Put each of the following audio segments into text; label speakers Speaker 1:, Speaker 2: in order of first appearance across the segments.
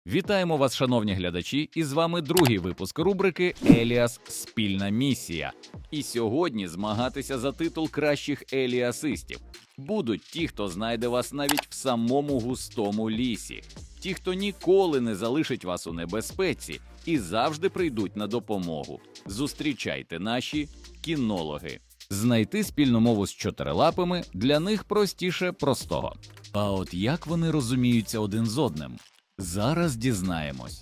Speaker 1: Вітаємо вас, шановні глядачі, і з вами другий випуск рубрики «Еліас. Спільна місія». І сьогодні змагатися за титул кращих еліасистів будуть ті, хто знайде вас навіть в самому густому лісі, ті, хто ніколи не залишить вас у небезпеці і завжди прийдуть на допомогу. Зустрічайте наші кінологи. Знайти спільну мову з чотирилапими для них простіше простого. А от як вони розуміються один з одним? Зараз дізнаємось.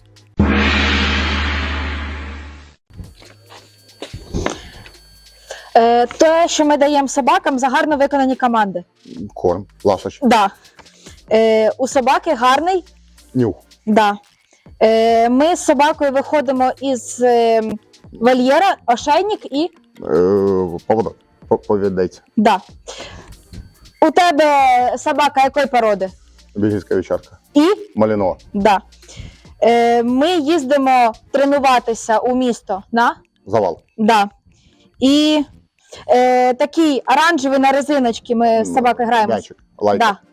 Speaker 2: Те, що ми даємо собакам за гарно виконані команди.
Speaker 3: Корм, ласощ,
Speaker 2: Да. У собаки гарний.
Speaker 3: нюх,
Speaker 2: Да. Ми з собакою виходимо із вольєра, ошейник і.
Speaker 3: поводок, повідець,
Speaker 2: Да. У тебе собака якої породи?
Speaker 3: бельгійська вівчарка,
Speaker 2: І?
Speaker 3: малінова,
Speaker 2: Да. Ми їздимо тренуватися у місто на.
Speaker 3: завал,
Speaker 2: Да. І такий оранжевий на резиночки ми з собакою граємо.
Speaker 3: м'ячик, лайка.
Speaker 2: Да.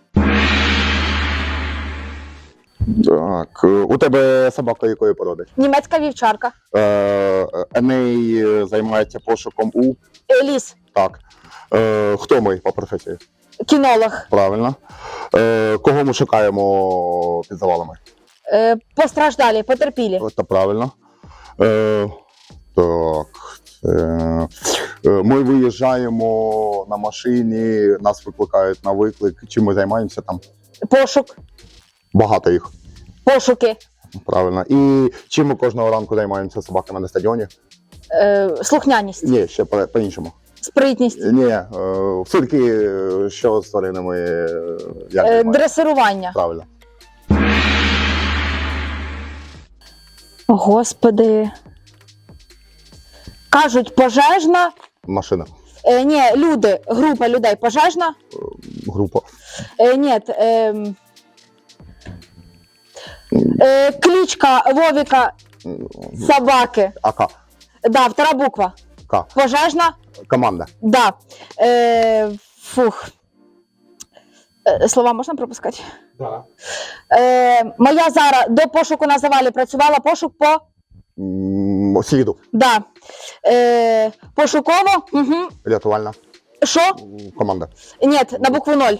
Speaker 3: Так, у тебе собака якої породи?
Speaker 2: Німецька вівчарка.
Speaker 3: Еней займається пошуком у...
Speaker 2: Ліс.
Speaker 3: Так. Хто ми по професії?
Speaker 2: Кінолог.
Speaker 3: Правильно. Кого ми шукаємо під завалами?
Speaker 2: Постраждалі, потерпілі.
Speaker 3: Це правильно. Так. Ми виїжджаємо на машині, нас викликають на виклик. Чим ми займаємося там?
Speaker 2: Пошук.
Speaker 3: Багато їх.
Speaker 2: Пошуки.
Speaker 3: Правильно. І чим ми кожного ранку займаємося з собаками на стадіоні?
Speaker 2: Слухняність.
Speaker 3: Ні, ще по-іншому.
Speaker 2: Спритність.
Speaker 3: Ні, все-таки, що з тваринами, як займаємося?
Speaker 2: Дресирування.
Speaker 3: Правильно.
Speaker 2: Господи. Кажуть, пожежна.
Speaker 3: Машина,
Speaker 2: Ні, люди, група людей. Пожежна.
Speaker 3: група,
Speaker 2: Ні. Кличка Вовіка собаки.
Speaker 3: АК,
Speaker 2: Да, втора буква.
Speaker 3: К,
Speaker 2: Пожежна.
Speaker 3: команда,
Speaker 2: Да. Фух. Слова можна пропускати?
Speaker 3: Да.
Speaker 2: Моя Зара до пошуку на завалі працювала. Пошук по.
Speaker 3: Сліду,
Speaker 2: Да. Пошуково. Угу.
Speaker 3: рятувальна,
Speaker 2: Що?
Speaker 3: команда,
Speaker 2: Ні, на букву 0.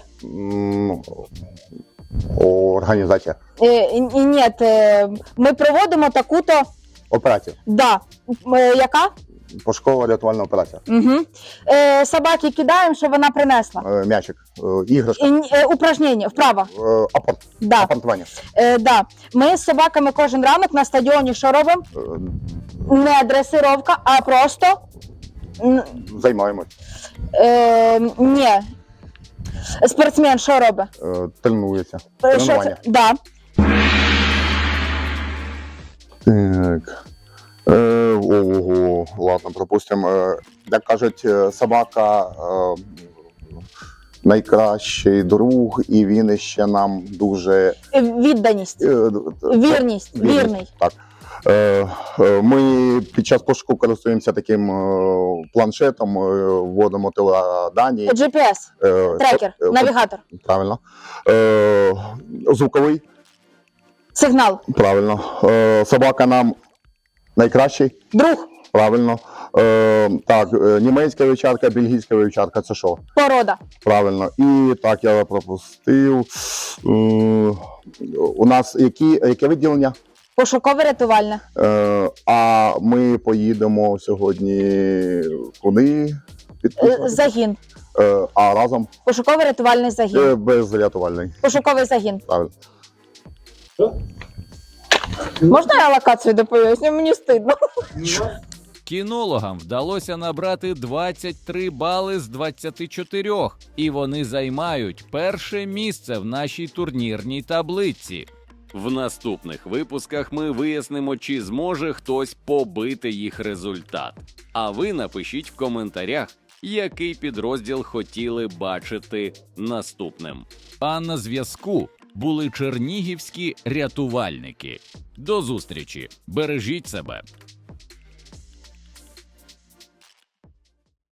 Speaker 3: Організація,
Speaker 2: Ні, ми проводимо таку-то.
Speaker 3: операція,
Speaker 2: Да. Яка?
Speaker 3: пошукова рятувальна операція,
Speaker 2: Угу. Собаки кидаємо, щоб вона принесла.
Speaker 3: м'ячик, іграшка,
Speaker 2: Упражнення, вправо.
Speaker 3: апорт,
Speaker 2: Да.
Speaker 3: апортування,
Speaker 2: Да. Ми з собаками кожен ранок на стадіоні що робимо? Не дресировка, а просто.
Speaker 3: займаємось,
Speaker 2: Ні. Спортсмен що робить?
Speaker 3: тренується,
Speaker 2: Що
Speaker 3: тренування.
Speaker 2: це? Да.
Speaker 3: Так. Ого, ладно, пропустимо. Як кажуть, собака найкращий друг, і він ще нам дуже
Speaker 2: Відданість. Вірність. Вірний.
Speaker 3: Так. Ми під час пошуку користуємося таким планшетом, вводимо теледані.
Speaker 2: GPS. Трекер. Навігатор.
Speaker 3: Правильно. Звуковий.
Speaker 2: Сигнал.
Speaker 3: Правильно. Собака нам найкращий.
Speaker 2: Друг.
Speaker 3: Правильно. Так, німецька вівчарка, бельгійська вівчарка, це що?
Speaker 2: Порода.
Speaker 3: Правильно. І так, я пропустив. У нас яке відділення?
Speaker 2: Пошукове рятувальне.
Speaker 3: А ми поїдемо сьогодні куди?
Speaker 2: Загін.
Speaker 3: А разом?
Speaker 2: Пошуковий рятувальний загін.
Speaker 3: Безрятувальний.
Speaker 2: Пошуковий загін.
Speaker 3: Правильно.
Speaker 2: Можна я локацію доповісти? Мені стидно.
Speaker 1: Кінологам вдалося набрати 23 бали з 24, і вони займають перше місце в нашій турнірній таблиці. В наступних випусках ми вияснимо, чи зможе хтось побити їх результат. А ви напишіть в коментарях, який підрозділ хотіли бачити наступним. А на зв'язку були чернігівські рятувальники. До зустрічі! Бережіть себе!